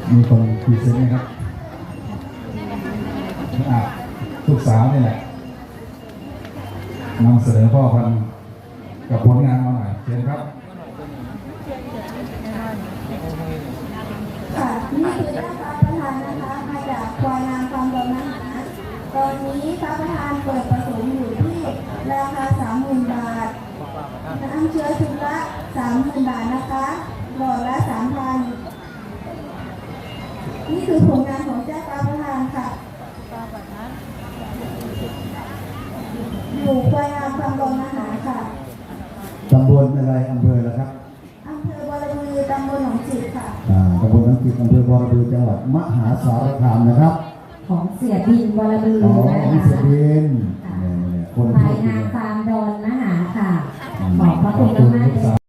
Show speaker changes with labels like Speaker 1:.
Speaker 1: มีคนพรีเซนต์นะครับลูกสาวนี่แหละนำเสนอพ่อพันธุ์กับผลงานมาหน่อยเชิญครับ
Speaker 2: ค่ะนี่คือหน้าตาประธานนะคะมาจากควายงามความดอนนะคะตอนนี้พระประธานเปิดผสมอยู่ที่ราคา 30,000 บาทน้ำเชื้อชุดละ 30,000 บาทนะคะหลอดละ 3,000 นี่คือผลงานของเจ้าตาประธานค่ะอยู่ควายงามความดอนนะคะค่ะ
Speaker 1: ตำบลอะไรอำเภอละครับ
Speaker 2: อำเภอบรบือตำบลหนองจิกค่ะ
Speaker 1: ตำบลหนองจิกอำเภอบรบือจังหวัดมหาสารคามนะครับ
Speaker 3: ของเสียบินบรบือ
Speaker 1: นะคะเสียบิน
Speaker 3: ภายงานฟาร์มดอนนะคะค่ะขอบพระคุณมากๆ